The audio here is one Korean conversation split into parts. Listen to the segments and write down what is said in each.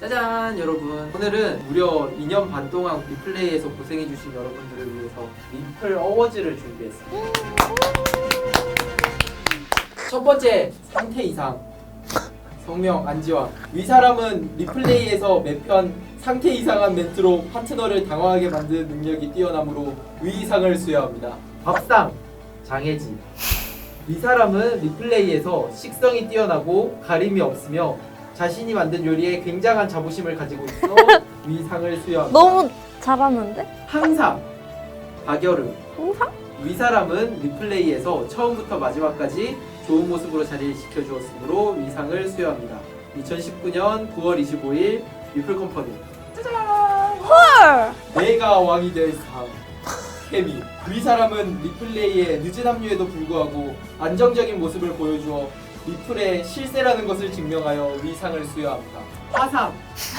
짜잔 여러분, 오늘은 무려 2년 반 동안 리플레이에서 고생해주신 여러분들을 위해서 리플 어워즈를 준비했습니다. 첫 번째 상태 이상, 성명 안지왕. 위사람은 리플레이에서 매편 상태 이상한 멘트로 파트너를 당황하게 만드는 능력이 뛰어나므로 위이상을 수여합니다. 밥상 장혜지. 위사람은 리플레이에서 식성이 뛰어나고 가림이 없으며 자신이 만든 요리에 굉장한 자부심을 가지고 있어 위상을 수여합니다. 너무 잘하는데? 항상 박여름. 항상? 위사람은 리플레이에서 처음부터 마지막까지 좋은 모습으로 자리를 지켜주었으므로 위상을 수여합니다. 2019년 9월 25일 리플 컴퍼니. 짜잔! 헐! 내가 왕이 될 삶. 케미. 위사람은 리플레이에 늦은 합류에도 불구하고 안정적인 모습을 보여주어 리플의 실세라는 것을 증명하여 위상을 수여합니다. 화상.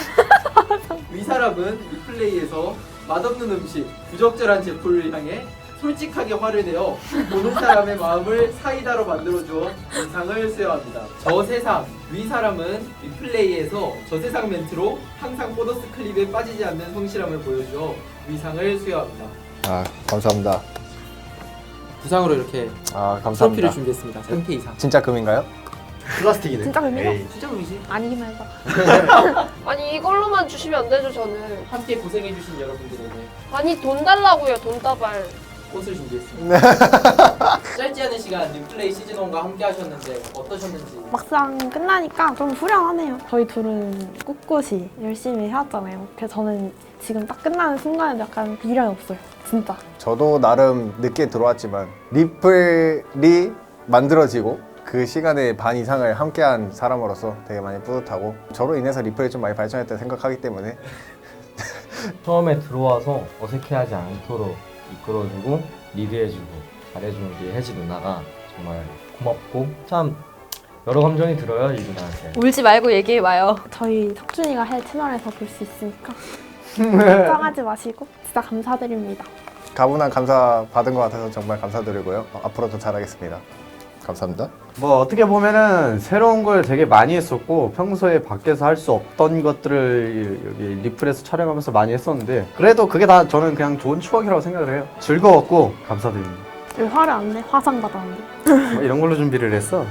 위사람은 리플레이에서 맛없는 음식, 부적절한 제품을 향해 솔직하게 화를 내어 보는 사람의 마음을 사이다로 만들어주어 위상을 수여합니다. 저세상. 위사람은 리플레이에서 저세상 멘트로 항상 보너스 클립에 빠지지 않는 성실함을 보여주어 위상을 수여합니다. 아, 감사합니다. 부상으로 이렇게 아, 트로피를 감사합니다. 준비했습니다. 상태 이상. 진짜 금인가요? 플라스틱이네. 진짜 금이죠? 에이. 진짜 의지. 아니기만 해봐. 아니 이걸로만 주시면 안 되죠 저는. 함께 고생해주신 여러분들에게 아니 돈 달라고요 돈 다발. 꽃을 준비했습니다. 짧지 않은 시간 리플레이 시즌1과 함께 하셨는데 어떠셨는지. 막상 끝나니까 좀 후련하네요. 저희 둘은 꿋꿋이 열심히 해왔잖아요. 그래서 저는 지금 딱 끝나는 순간에 약간 미련이 없어요. 진짜. 저도 나름 늦게 들어왔지만 리플이 만들어지고 그 시간의 반 이상을 함께한 사람으로서 되게 많이 뿌듯하고 저로 인해서 리플이 좀 많이 발전했다 생각하기 때문에 처음에 들어와서 어색해하지 않도록 이끌어주고 리드해주고 잘해주는 우리 혜지 누나가 정말 고맙고 참 여러 감정이 들어요 이 누나한테. 울지 말고 얘기해봐요. 저희 석준이가 해 채널에서 볼 수 있으니까 걱정하지 마시고 진짜 감사드립니다. 가분한 감사 받은 것 같아서 정말 감사드리고요. 앞으로도 잘하겠습니다. 감사합니다. 뭐 어떻게 보면은 새로운 걸 되게 많이 했었고 평소에 밖에서 할 수 없던 것들을 여기 리플에서 촬영하면서 많이 했었는데 그래도 그게 다 저는 그냥 좋은 추억이라고 생각을 해요. 즐거웠고 감사드립니다. 왜 화를 안 내? 화상 받았는데. 뭐 이런 걸로 준비를 했어.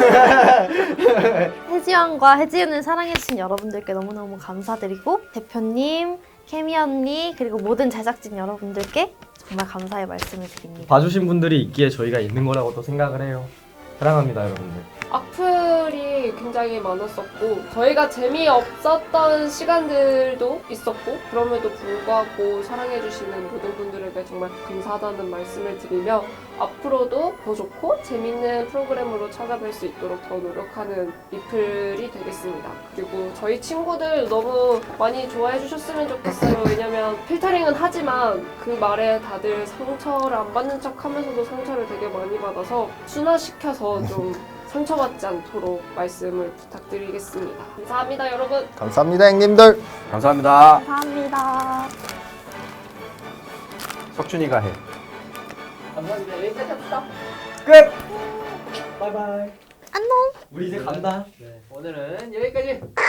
혜지왕과 혜지은을 사랑해주신 여러분들께 너무너무 감사드리고 대표님, 케미 언니 그리고 모든 제작진 여러분들께 정말 감사의 말씀을 드립니다. 봐주신 분들이 있기에 저희가 있는 거라고 또 생각을 해요. 사랑합니다 여러분들. 악플이 굉장히 많았었고 저희가 재미없었던 시간들도 있었고 그럼에도 불구하고 사랑해주시는 모든 분들에게 정말 감사하다는 말씀을 드리며 앞으로도 더 좋고 재밌는 프로그램으로 찾아뵐 수 있도록 더 노력하는 리플이 되겠습니다. 그리고 저희 친구들 너무 많이 좋아해 주셨으면 좋겠어요. 왜냐면 필터링은 하지만 그 말에 다들 상처를 안 받는 척 하면서도 상처를 되게 많이 받아서 순화시켜서 좀 상처받지 않도록 말씀을 부탁드리겠습니다. 감사합니다 여러분. 감사합니다 형님들. 감사합니다. 감사합니다. 석준이가 해. 감사합니다. 여기까지 합시다. 끝! 바이바이. 안녕. 우리 이제 간다. 네, 오늘은 여기까지.